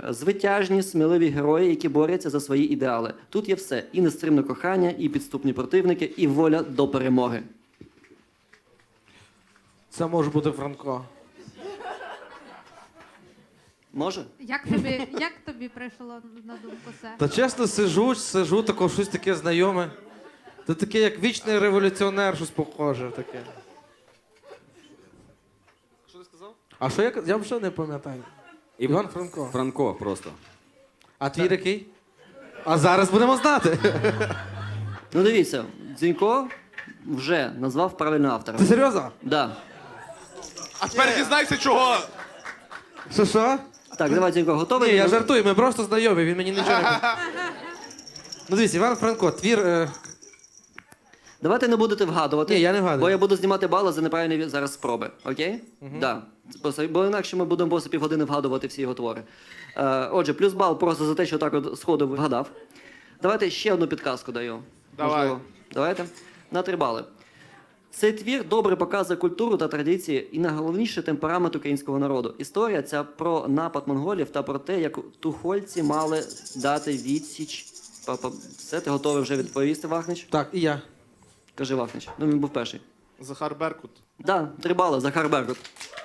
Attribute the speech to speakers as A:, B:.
A: звитяжні, сміливі герої, які борються за свої ідеали. Тут є все. І нестримне кохання, і підступні противники, і воля до перемоги.
B: Це може бути Франко.
A: Може?
C: Як тобі прийшло на думку це?
B: Та чесно, сижу, тако щось таке знайоме. Це таке, як вічний революціонер, щось похоже таке.
D: Що ти сказав?
B: А що я вже не пам'ятаю. Іван Франко.
D: Франко просто.
B: А твій який? А зараз будемо знати.
A: Ну дивіться, Дзінько вже назвав правильного автора.
B: Ти серйозно?
A: Да.
E: А тепер дізнайся, чого.
B: Що?
A: Так, давай, Дзінько, готовий?
B: Ні, я жартую, ми просто знайомі, він мені нічого не... Ну дивіться, Іван Франко, твір...
A: Давайте не будете вгадувати.
B: Ні, я не вгадую.
A: Бо я буду знімати бали за неправильні зараз спроби. Окей? Да. Бо інакше ми будемо просто півгодини вгадувати всі його твори. Отже, плюс бал просто за те, що так от сходу вгадав. Давайте ще одну підказку даю.
E: Давай.
A: Можливо. Давайте. На 3 бали. Цей твір добре показує культуру та традиції і найголовніше темперамент українського народу. Історія ця про напад монголів та про те, як тухольці мали дати відсіч. Все, ти готовий вже відповісти, Вахнич?
B: Так, і я.
A: Кажи, Вахнич. Ну, він був перший.
E: Захар Беркут.
A: Да, 3 бали, Захар Беркут.